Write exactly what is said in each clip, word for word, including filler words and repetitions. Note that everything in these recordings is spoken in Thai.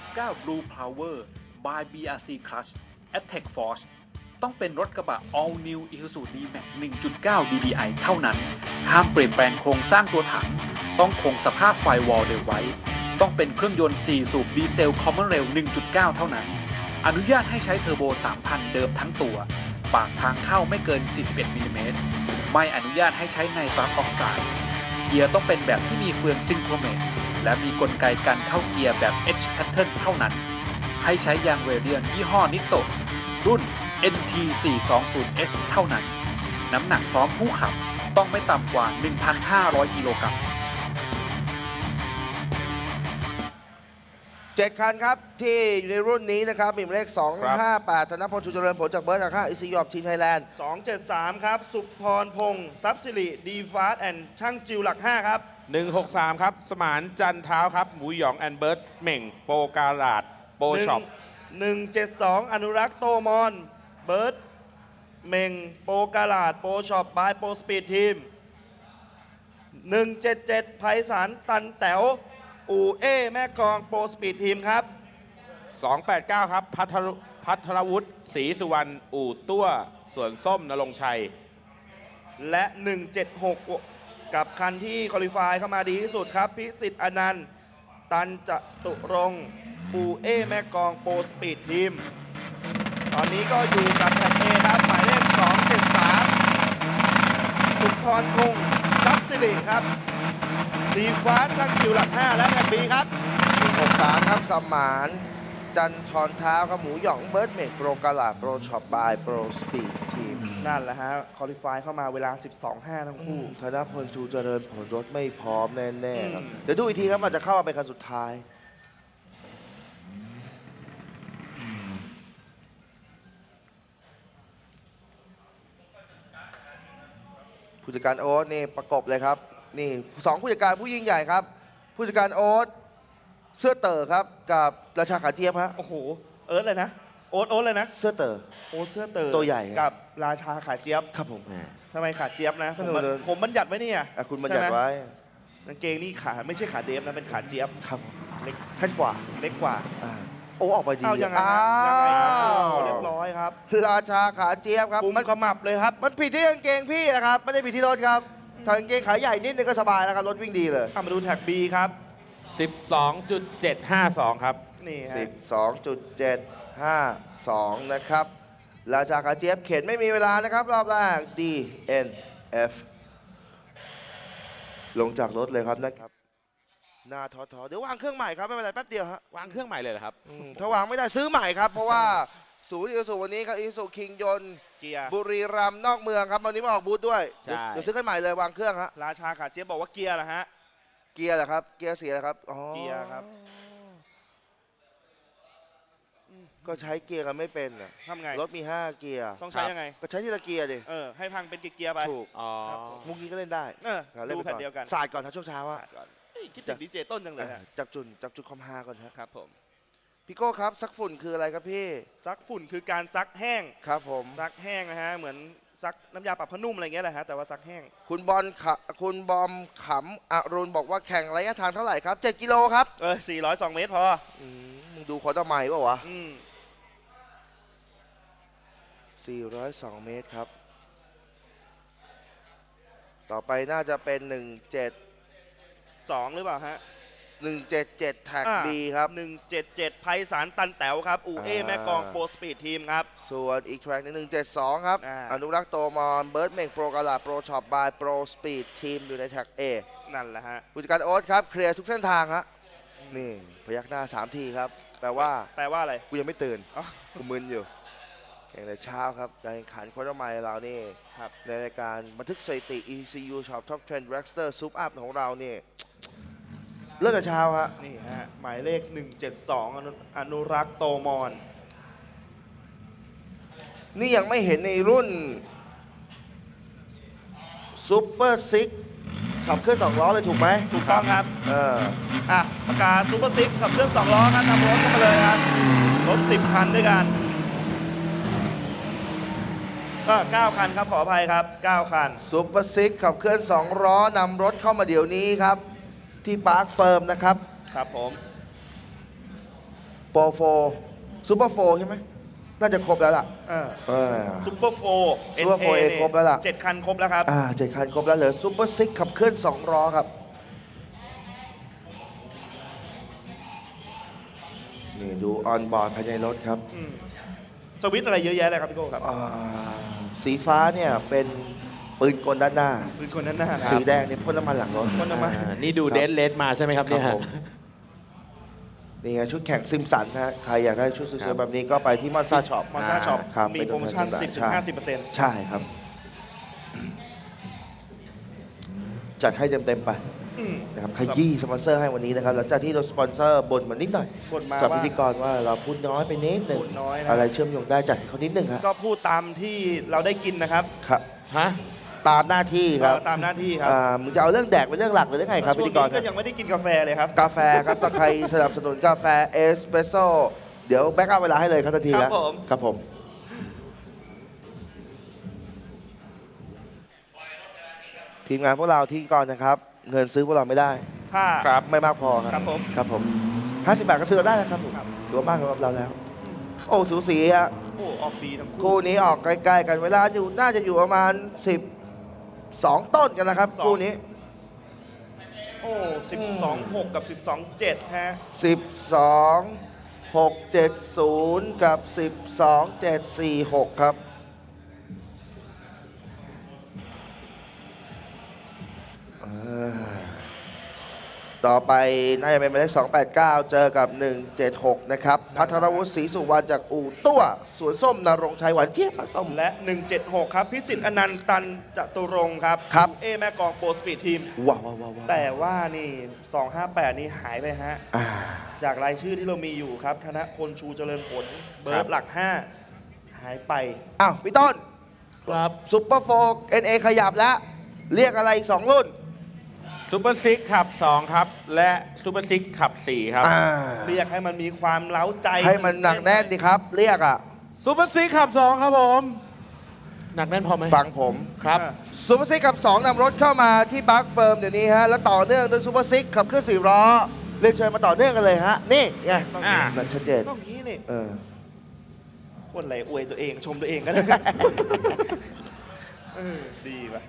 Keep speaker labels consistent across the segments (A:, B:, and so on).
A: เก้า Blue Power by บี อาร์ ซี Crush Attack Force ต้องเป็นรถกระบะ All New Isuzu D-Max หนึ่งจุดเก้า ดี ดี ไอ เท่านั้นห้ามเปลี่ยนแปลงโครงสร้างตัวถังต้องคงสภาพไฟวอลเดิมไว้ต้องเป็นเครื่องยนต์สี่สูบดีเซล Common Rail หนึ่งจุดเก้า เท่านั้นอนุญาตให้ใช้เทอร์โบ สามพัน เดิมทั้งตัวปากทางเข้าไม่เกิน สี่สิบเอ็ด มิลลิเมตรไม่อนุญาตให้ใช้ไนตรัสออกไซด์เกียร์ต้องเป็นแบบที่มีเฟืองซิงโครเมตและมีกลไกการเข้าเกียร์แบบ H Pattern เท่านั้นให้ใช้ยางเรเดียนยี่ห้อนิโตะรุ่น เอ็น ที สี่ร้อยยี่สิบ เอส เท่านั้นน้ำหนักพร้อมผู้ขับต้องไม่ต่ำกว่า หนึ่งพันห้าร้อย กิโลกรัม
B: เจ็ดคันครับที่อยู่ในรุ่นนี้นะครับมีหมายเลขสองห้าแปดธนพลชูเจริญผลจากเบิร์ดอาค่าอิสยอบทีมไทยแลนด์
C: สองเจ็ดสามครับสุพรพงศ์ทรัพย์สิริดีฟาสแอนด์ช่างจิวหลักห้าครับ
D: หนึ่งหกสามครับสมานจันเท้าครับหมูหยองแอนเบิร์ตเหม่งโปกาลาดโปช็อป
C: หนึ่งเจ็ดสองอนุรักษ์โตมอนเบิร์ตเม่งโปกาลาดโปช็อปบายโปสปีดทีมหนึ่งเจ็ดเจ็ดไพศาลตันแต๋วอูเอแม่กองโปสปีดทีมครับ
D: สองแปดเก้าครับพัทรพัทรวุฒิศรีสุวรรณอู่ตั้วสวนส้มนรงชัย
C: และหนึ่งเจ็ดหกกับคันที่คอลิฟายเข้ามาดีที่สุดครับพิสิทธิ์อนันต์ตันจตุรงค์อูเอแม่กองโปสปีดทีมตอนนี้ก็อยู่กับแท็กเอครับหมายเลขสองเจ็ดสามสุพรพงศ์ทรัพย์สิริครับดีฟ้าช่างคิวหลักห้าและแท็กบีครับ
B: หนึ่งหกสามครับสมานจันทรเท้าครับหมูหยองเบิร์ดเมกโปรกาลาโปรช็อปบายโปรสปีดทีม
C: นั่นแหละฮะคอลิฟายเข้ามาเวลา สิบสองห้า ทั้งคู่
B: ธนพลชูเจริญผลรถไม่พร้อมแน่ๆครับเดี๋ยวดูอีกทีครับอาจจะเข้ามาเป็นคันสุดท้ายผู้จัดการโอ๊ตนี่ประกบเลยครับนี่สองผู้จัดการผู้ยิ่งใหญ่ครับผู้จัดการโอ๊ตเสื้อเต๋อครับกับราชาขาเจี๊ยบฮะ
C: โอ้โหเอิร์ธเลยนะโอ๊ตโอ๊ตเลยนะ
B: เสื้อเต๋อ
C: โอ๊ตเสื้อเต๋อ
B: ตัวใหญ่
C: กับราชาขาเจี๊ยบ
B: ครับผม
C: ทำไมขาเจี๊ยบนะผมผมบัญญัติไว้นี่อ่ะ
B: คุณบัญญัติไว้
C: กางเกงนี่ขาไม่ใช่ขาเดฟนะเป็นขาเจี๊ยบ
B: ครับเล็กขั้นกว่า
C: เล็กกว่า
B: โอ้ออกไปดี
C: เอายังไงยังไงเรียบร้อยครับ
B: ราชาขาเจี๊ยบครับ
C: มันขมับเลยครับ
B: มันผิดที่กางเกงพี่นะครับไม่ได้ผิดที่รถครับถ้ากางเกงขาใหญ่นิดนึงก็สบายแล้วครับรถวิ่งดีเลย
C: มาดูแท็ก B ครับ
D: สิบสองจุดเจ็ดห้าสอง ครับ
C: นี่ฮะ
B: สิบสองจุดเจ็ดห้าสอง นะครับราชาขาเจี๊ยบเข็นไม่มีเวลานะครับรอบแรก D N F ลงจากรถเลยครับนะครับหน้าท้อๆเดี๋ยววางเครื่องใหม่ครับไม่เป็นไรแป๊บเดียวฮะ
D: วางเครื่องใหม่เลยเหรอครับ
B: ถ้าวางไม่ได้ซื้อใหม่ครับเพราะว่าศูนย์อิสุวันนี้ครับอิสุคิงยนต์บุรีรัมย์นอกเมืองครับวันนี้มาออกบูธด้วยเดี๋ยวซื้อกันใหม่เลยวางเครื่องฮะ
C: ราชาขาเจี๊ยบบอกว่าเกียร์เหรอฮะ
B: เกียร์เหรอครับเกียร์เสียครับ
C: เกียร์ครับ
B: ก็ใช้เกียร์กันไม่เป็นอ่ะ
C: ทำไง
B: รถมีห้าเกียร์
C: ต้องใช้ยังไง
B: ก็ใช้ทีละเกียร์ดิ
C: เออให้พังเป็นเกียร์ไป
B: ถูกอ๋อมุกนี้ก็เล่นได้
C: เออดูแผ่นเดียวกัน
B: ศาสตร์ก่อนนะช่วงเช้าอ่ะ
C: คิดถึงดีเจต้นจังเลยฮะ
B: จับจุดจับจุดคอมฮาก่อน
C: ครับผม
B: พี่โก้ครับซักฝุ่นคืออะไรครับพี่
C: ซักฝุ่นคือการซักแห้ง
B: ครับผม
C: ซักแห้งนะฮะเหมือนซักน้ำยาปรับผ้านุ่มอะไรเงี้ยแหละฮะแต่ว่าซักแห้ง
B: คุณบอลขคุณบอมขำอรุณบอกว่าแข่งระยะทางเท่าไหร่ครับเจ็ดกิโลครับ
C: เออสี่ร้อยสองเมตรพอ
B: มึงดูขอตะไมป่าวะสี่ร้อยสองเมตรครับต่อไปน่าจะเป็นหนึ่งเจ็ด
C: สองหรือเปล่าฮะ
B: หนึ่งเจ็ดเจ็ดแท็กบีครับ
C: หนึ่งเจ็ดเจ็ดไพศาลตันแต๋วครับอูเอแม่กองโปรสปีดทีมครับ
B: ส่วนอีกแทร็กหนึ่งเจ็ดสองครับอนุรักษ์โตมอนเบิร์ดเมงโปรกาลาโปรช็อปบายโปรสปีดทีมอยู่ในแท็กเอ
C: นั่นแหละฮะ
B: ผู้จัดการโอ๊ตครับเคลียร์ทุกเส้นทางฮะนี่พยักหน้าสามทีครับแปลว่า
C: แปลว่าอะไร
B: กูยังไม่ตื่นกูมึนอยู่แข่งแต่เช้าครับการแข่งขันโค้ชไมล์เรานี่ในรายการบันทึกสถิติ อี ซี ยู Shop Top Trend Dragster Soup Up ของเรานี่เริ่มแต่เช้าฮะ
C: นี่ฮะหมายเลขหนึ่งเจ็ดสองอนุรักษ์โตมอน
B: นี่ยังไม่เห็นในรุ่นซูเปอร์ซิกขับเคลื่อนสองล้อเลยถูกไหม
C: ถูกต้องครับ
B: เออ
C: อ่ะประกาศซูเปอร์ซิกขับเคลื่อนสองล้อครับนำรถเข้ามาเลยครับรถสิบคันด้วยกันก็เก้าคันครับขออภัยครับเก้าคัน
B: ซูเปอร์ซิกขับเคลื่อนสองล้อนำรถเข้ามาเดี๋ยวนี้ครับที่ปาร์คเฟิร์มนะครับ
C: ครับผม
B: โปรโฟซูเปอร์โฟใช่ไหมน่าจะครบแล้วล่ะ
C: เออ
B: เออ
C: ซุปเปอร์โฟร์
B: Super โฟร์ เอ ครบแล้วล่ะ
C: เจ็ดคันครบแล้วครับ
B: อ่าเจ็ดคันครบแล้วเหลือซูเปอร์ซิกขับเคลื่อนสองล้อครับ นี่ดูออนบอร์ดภายในรถครับ
C: อืมสวิตช์อะไรเยอะแยะเลยครับพี่โก้ครับ
B: อ่าสีฟ้าเนี่ยเป็นปืนกลด้านหน้า
C: ปืนคนนั้นหน้าค
B: สี
C: รับ
B: แดงเนี่ยพ่นน้ำมันหลังรถ
C: พ่นน้ำมัน
D: อ่านี่ดูเดนเลสมาใช่ไหมครับ
B: ครั
D: เนี่
B: บ
D: ย
B: ผมนี่ไงชุดแข่งซิมสันนะฮะใครอยากได้ชุดส
D: ครั
B: วย
D: บ
B: ๆแบบนี้ก็ไปที่มอนซาช็อป
C: มอซ่าช็อป
B: ครับ
C: มีโปรโมชั่น
B: เป็น
C: สิบ
B: ตัว
C: ถึ
B: แท
C: ง
B: น
C: ห้าสิบเปอร์เซ็นต์
B: ใช่ครับ จัดให้เต็มๆไปนะครับขยี้สปอนเซอร์ให้วันนี้นะครับหลังจากที่เราสปอนเซอร์บ่นมานิดหน่อย
C: บ่นมา
B: สำหรับ
C: ว่า
B: พิธีกรว่าเราพูดน้อยไปนิดหนึ่ง
C: พูดน้อยนะ
B: อะไรเชื่อมโยงได้จัดให้เขานิดหนึ่งฮะ
C: ก็พูดตามที่เราได้กินนะครับ
B: ครับ
D: ฮะ
B: ตามหน้าที่ครับ
C: เออตามหน้าที่ครับ
B: อ่ามึงจะเอาเรื่องแดกเป็นเรื่องหลักหรือเรื่องไงครับ
C: ช่
B: พิ
C: วง
B: ธีกร
C: นี้ก็ยังไม่ได้กินกาแฟเลยครับ
B: กาแฟครับถ้าใครสนับสนุนกาแฟเอสเปรสโซ่เดี๋ยวแบ็กอัพเวลาให้เลยครับทันที
C: ครั
B: แล้ว
C: บผม
B: ครับผม ทีมงานพวกเราที่ก่อนนะครับ เงินซื้อพวกเราไม่ได้
C: ถ้า
D: ครับ
B: ไม่มากพอค
C: ครั
B: รับบ
C: ผม
B: ครับผมห้าสิบบาทก็ซื้อเราได้นะครับผม
C: ครับ
B: ถือว่ามากสำหรับเราแล้ว โอ้สูสีฮะ
C: โอ้ออกดีทั้งคู่
B: คู่นี้ออกใกล้ๆกันเวลาอยู่น่าจะอยู่ประมาณสิบสองต้นกันนะครับคู่นี้
C: โอ้สิบสองหกกับสิบสองเจ็ดฮะ
B: สิบสองหกเจ็ดศูนย์กับสิบสองเจ็ดสี่หกครับอ่าต่อไปน่าจะเป็นหมายเลขสองแปดเก้าเจอกับหนึ่งเจ็ดหกนะครับพัทรวุฒิศรีสุวรรณจากอู่ตั้วสวนส้มนรงค์ชัยหวานเจี๊ยบปลาส้ม
C: และ หนึ่งเจ็ดหก ครับ พิสิทธิ์อนันต์ตันจตุรงค์ครับ
B: ครับ
C: เอแม่กองโปรสปีดทีม
B: ว้าวว้าวว้าวว้าว
C: แต่ว่านี่ สองห้าแปด นี่หายไปฮะ
B: อ่า
C: จากรายชื่อที่เรามีอยู่ครับ ธนพลชูเจริญผล เบิร์ดหลัก ห้า หายไป
B: อ้าวพี่ต้น
D: ครับ
B: ซุปเปอร์โฟร์เอ็นเอขยับแล้ว เรียกอะไรอีกสองรุ่น
D: ซูเปอร์ซิกขับสองครับ และซูเปอร์ซิกขับสี่ครับ
B: อ่า
C: เรียกให้มันมีความเล้าใจ
B: ให้มันหนักแน่นดิครับ เรียกอ่ะ
D: ซูเปอร์ซิกขับสองครับผม หนักแน่นพอไหม
B: ฟังผม
D: ครับ
C: อ่า
B: ซูเปอร์ซิกขับสองนำรถเข้ามาที่บาร์คเฟิร์มเดี๋ยวนี้ฮะ แล้วต่อเนื่องด้วยซูเปอร์ซิกขับเคลื่อนสี่ล้อเรียกเชิญมาต่อเนื่องกันเลยฮะ นี่ไง
C: ต้อง
D: อ่า
B: นั่นชัดเจน
C: ต้องงี้นี่
B: เออ
C: คนไหนอวยตัวเองชมตัวเองก็ได้ เออดีป่ะ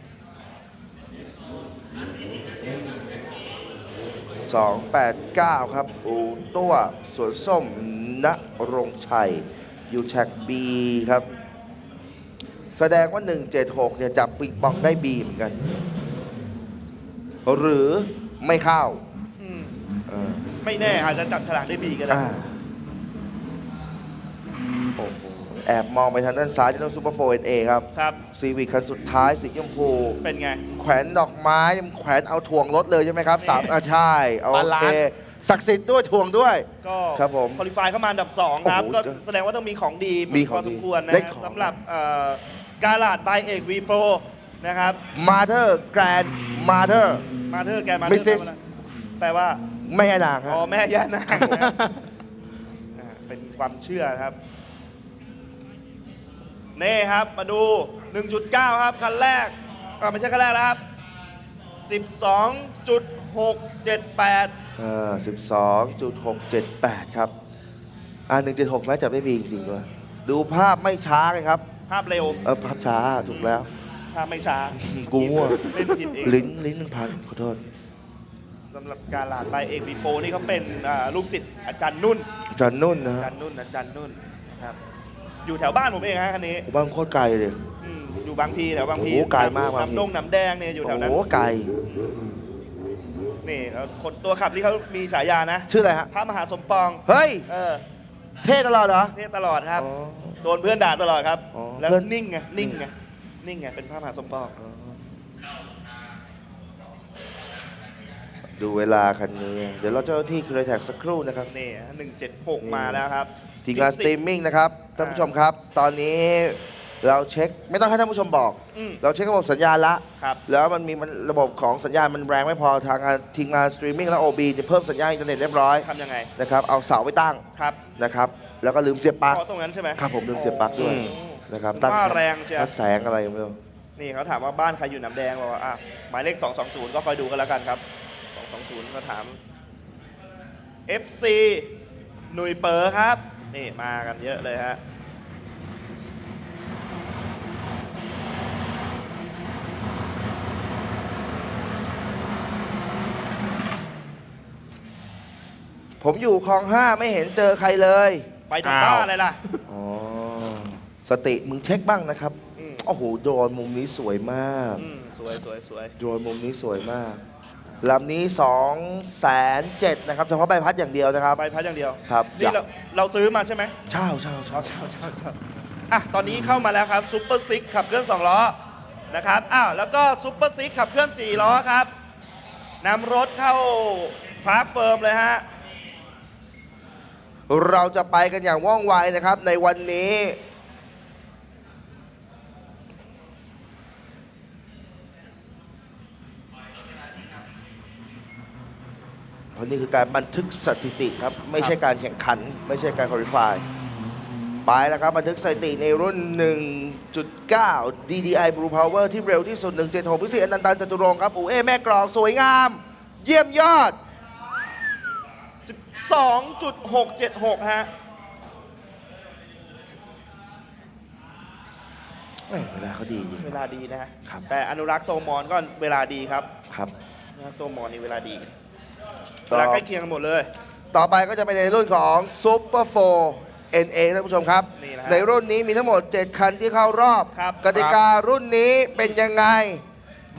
B: สองแปดเก้าครับ อูตัวสวนส้มณรงค์ชัย อยู่แท็กบีครับ แสดงว่า หนึ่งเจ็ดหก เนี่ยจับปิงปองได้บีเหมือนกัน หรือไม่เข้า
C: อืม
B: เออ
C: ไม่แน่อาจจะจับฉลากได้บีก็ได้
B: อ่าโอ้โหแอบมองไปทางด้านซ้ายที่ต้องซูเปอร์โฟร์เอ็นเอครับ
C: ครับ
B: ซีวิคคันสุดท้ายสีชมพู
C: เป็นไง
B: แขวนดอกไม้มันแขวนเอาถ่วงรถเลยใช่ไหมครับสาม
C: นี่
B: อ่าใช่โอบ
D: าลา
B: เคน
D: ซ์
B: ศักดิ์สิทธิ์ด้วยถ่วงด้วย
C: ก็
B: ครับผม
C: คอลิฟายเข้ามาอันดับสองครับ
B: โอ้โห
C: ก็แสดงว่าต้องมีของดี
B: มีของ
C: พอสมควรนะ
B: ได้
C: ฮะ
B: ของ
C: สำหรับเอ่อการลาดบายเอกวีโปรนะครับ
B: มาเธอร์แกรนมาเธอร์
C: มาเธอร์แกนมาเธอ
B: Missus
C: ร์แปลว่า
B: ไม่ให้นางครับ
C: อ๋อแม่ย่านางนะอ่าเป็นความเชื่อนะครับ นี่ครับมาดู หนึ่งจุดเก้า ครับ คันแรกอ่าไม่ใช่คันแรกแล้วครับ สิบสองจุดหกเจ็ดแปด
B: เออสิบสองจุดหกเจ็ดแปดครับ อ่าหนึ่งเจ็ดหกแม้จะไม่มีจริงๆด้วยดูภาพไม่ช้ากันครับ
C: ภาพเร็ว
B: เออภาพช้าถูกแล้ว
C: ภาพไม่ช้า
B: กูมั่ว
C: เล่นผิดเอง
B: ลิ้นลิ้นมันพันขอโทษ
C: สำหรับการลาดบายเอกวีโปรนี่เขาเป็นอ่าลูกศิษย์อาจารย์นุ่น
B: จอนนุ่นนะ
C: อา
B: ฮะ
C: จารย์นุ่นอาจารย์นุ่นครับ อยู่แถวบ้านผมเองฮะคันนี้
B: บ้านโคตรไกลเลย
C: อืมอยู่บางพีแถวบางพี
B: โอ้โหไกลมากบางพี
C: น้ำดงน้ำแดงเนี่ยอยู่แถวนั้น
B: โอ้โหไกล
C: นี่แล้วคนตัวขับนี่เขามีฉายานะ
B: ชื่ออะไรฮะ
C: พระมหาสมปอง
B: เฮ้ย
C: เออ
B: เท่ตลอดเหรอ
C: เทศตลอดครับ
B: อ๋อ
C: โดนเพื่อนด่าตลอดครับ
B: อ๋อ
C: แล้ว
B: เพื่อน
C: นิ่งไงนิ่งไงนิ่งไงเป็นพระมหาสมปอง
B: ดูเวลาคันนี้ เดี๋ยวเราเจ้าหน้าที่คือแท็กสักครู่นะครับ
C: นี่หนึ่งเจ็ดหก
B: นี่
C: มาแล้วครับ
B: ทีมงานสตรีมมิ่งนะครับท่านผู้ชมครับ ตอนนี้เราเช็คไม่ต้องให้ท่านผู้ชมบอก
C: อืม
B: เราเช็คระบบสัญญาณละ
C: ครับ
B: แล้วมันมีมันระบบของสัญญาณมันแรงไม่พอทางงานทีมงานสตรีมมิ่งและ โอ บี จะเพิ่มสัญญาณอินเทอร์เน็ตเรียบร้อย
C: ทำยังไง
B: นะครับเอาเสาไปตั้ง
C: ครับ
B: นะครับแล้วก็ลืมเสียบปลั๊ก
C: เพราะตรงนั้นใช่ไหม
B: ครับผมลืมเสียบปลั๊กด้วย
C: โอ้
B: นะครับ
C: ว่าแรงเชียว
B: วัดแสงอะไรไม่รู้
C: นี่เขาถามว่าบ้านใครอยู่น้ำแดงบอกว่าอ่ะหมายเลขสองสองศูนย์ก็คอยดูกันแล้วกันครับสองสองศูนย์ก็ถาม เอฟ ซีหนุยเป๋อครับ นี่มากันเยอะเลยฮะ
B: ผมอยู่คลองห้าไม่เห็นเจอใครเลย
C: ไปทำบ้าอะไรล่ะ
B: อ๋อ สติมึงเช็คบ้างนะครับ
C: อืม
B: โอ้โห โดรนมุมนี้สวยมาก
C: อืมสวยสวยสวย
B: โดรนมุมนี้สวยมาก ลำนี้2องแสนเจ็ดนะครับ เฉพาะใบพัดอย่างเดียวนะครับ
C: ใบพัดอย่างเดียว
B: ครับ
C: นี่เราเราซื้อมาใช่ไหม
B: เช่าเช่าเช่า
C: เช่าเช่าเช่าอ่ะ ตอนนี้เข้ามาแล้วครับซูเปอร์ซิกขับเคลื่อนสองล้อนะครับ อ้าว แล้วก็ซูเปอร์ซิกขับเคลื่อนสี่ล้อครับนำรถเข้าพาร์คเฟิร์มเลยฮะ
B: เราจะไปกันอย่างว่องไวนะครับในวันนี้เพราะนี่คือการบันทึกสถิติครับ ไม่ใช่การแข่งขัน ไม่ใช่การคุริฟายไปแล้วครับ บันทึกสถิติในรุ่น หนึ่งจุดเก้า ดี ดี ไอ Blue Power ที่เร็วที่สุด หนึ่งเจ็ดหก พิเศษอนันตันจตุรงค์ครับอูเอแม่กรองสวยงาม เยี่ยมยอด
C: สิบสองจุดหกเจ็ดหก ฮะ
B: แม่เวลาเขาดีจริง
C: เวลาดีนะฮะ
B: ครับ
C: แต่อนุรักษ์โตมอนก็เวลาดีครับ
B: ครับ
C: อนุรักษ์โตมอนนี่เวลาดี
B: ต่
C: เว
B: อ
C: ลาใกล้เคียงกันหมดเลย
B: ต่อไปก็จะเป็นในรุ่นของ Super โฟร์ เอ็น เอ ท่านผู้ชมครับ
C: นี่นะฮะ
B: ในรุ่นนี้มีทั้งหมด เจ็ด คันที่เข้ารอบ
C: ครับ
B: กติการุ่นนี้เป็นยังไง